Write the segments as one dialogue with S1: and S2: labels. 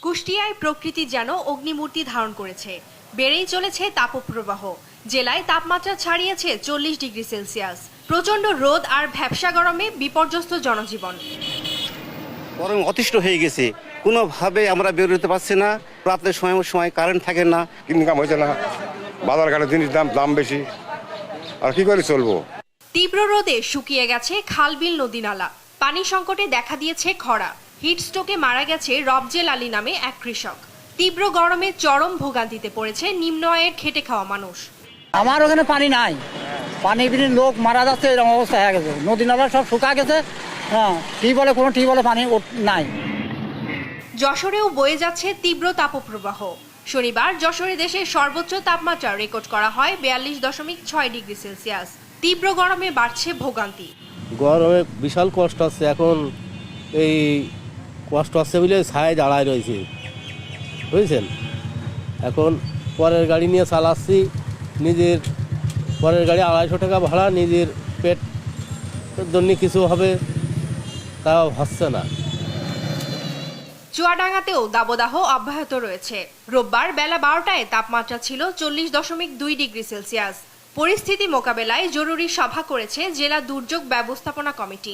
S1: কুষ্টিয়ায় প্রকৃতি যেন অগ্নিমূর্তি ধারণ করেছে। বেড়েই চলেছে তাপপ্রবাহ। জেলায় তাপমাত্রা ছাড়িয়েছে 40 ডিগ্রি সেলসিয়াস। প্রচণ্ড রোদ আর ভ্যাপসা গরমে বিপর্যস্ত জনজীবন।
S2: গরম অতিষ্ঠ হয়ে গেছে, কোনোভাবে আমরা বের হতে পারছি না। রাতের সময় কারেন্ট থাকে না,
S3: ইনকাম হয়েছে না, বাজার ঘাটে জিনিস দাম বেশি, আর কি করে চলবো।
S1: তীব্র রোদে শুকিয়ে গেছে খাল-বিল, নদী নালা। পানি সংকটে দেখা দিয়েছে খরা। হিটস্ট্রোকে মারা গেছে রবজেল আলী নামে এক কৃষক। তীব্র গরমে চরম ভোগান্তিতে পড়েছে নিম্ন আয়ের খেটে খাওয়া মানুষ।
S4: আমার ওখানে পানি নাই, পানি বিনে লোক মারা যাচ্ছে, এরকম অবস্থা হয়ে গেছে। নদী নালা সব শুকা গেছে। কোনো টিউবওয়েলে পানি নাই।
S1: যশোরেও বয়ে যাচ্ছে তীব্র তাপপ্রবাহ। শনিবার যশোরে দেশের সর্বোচ্চ তাপমাত্রা রেকর্ড করা হয় 42.6 ডিগ্রি সেলসিয়াস। তীব্র গরমে বাড়ছে ভোগান্তি।
S5: গরমে বিশাল কষ্ট হচ্ছে, এখন এই কষ্ট হচ্ছে বলে ছায় দাঁড়ায় রয়েছে, বুঝছেন। এখন পরের গাড়ি নিয়ে চালাচ্ছি, নিজের পরের গাড়ি 250 টাকা ভাড়া, নিজের পেট জন্য কিছু হবে তাও হচ্ছে না।
S1: চুয়াডাঙ্গাতেও দাবদাহ অব্যাহত রয়েছে। রোববার বেলা 12টায় তাপমাত্রা ছিল 40.2 ডিগ্রি সেলসিয়াস। পরিস্থিতি মোকাবেলায় জরুরি সভা করেছে জেলা দুর্যোগ ব্যবস্থাপনা কমিটি।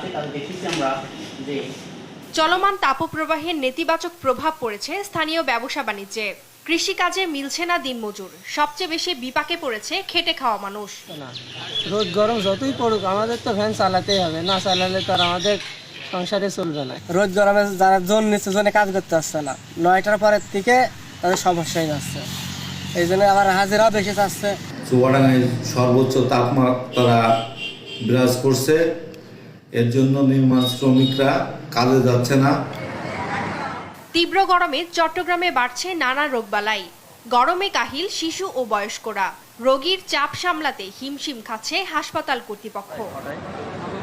S1: চলমান তাপপ্রবাহের নেতিবাচক প্রভাব পড়েছে স্থানীয় ব্যবসা বাণিজ্যে। কৃষিকাজে মিলছে না দিনমজুর। সবচেয়ে বেশি বিপাকে পড়েছে খেটে খাওয়া মানুষ।
S6: রোদ গরম যতই পড়ুক, আমাদের তো ফ্যান চালাতেই হবে, না চালালে তো আর আমাদের সংসারে চলবে না। রোদ গরমে যারা জোন নিচ্ছে, জোনে কাজ করতে আসছে না, 9টার পরের থেকে তাদের সমস্যাই যাচ্ছে। এই জন্য আবার হাজিরাও বেশি চাচ্ছে।
S7: চুয়াডাঙ্গায় সর্বোচ্চ তাপমাত্রা বিরাজ করছে, এর জন্য নির্মাণ শ্রমিকরা কাজে যাচ্ছে না।
S1: তীব্র গরমে চট্টগ্রামে বাড়ছে নানা রোগবালাই। গরমে কাহিল শিশু ও বয়স্করা। রোগীর চাপ সামলাতে হিমশিম খাচ্ছে হাসপাতাল কর্তৃপক্ষ।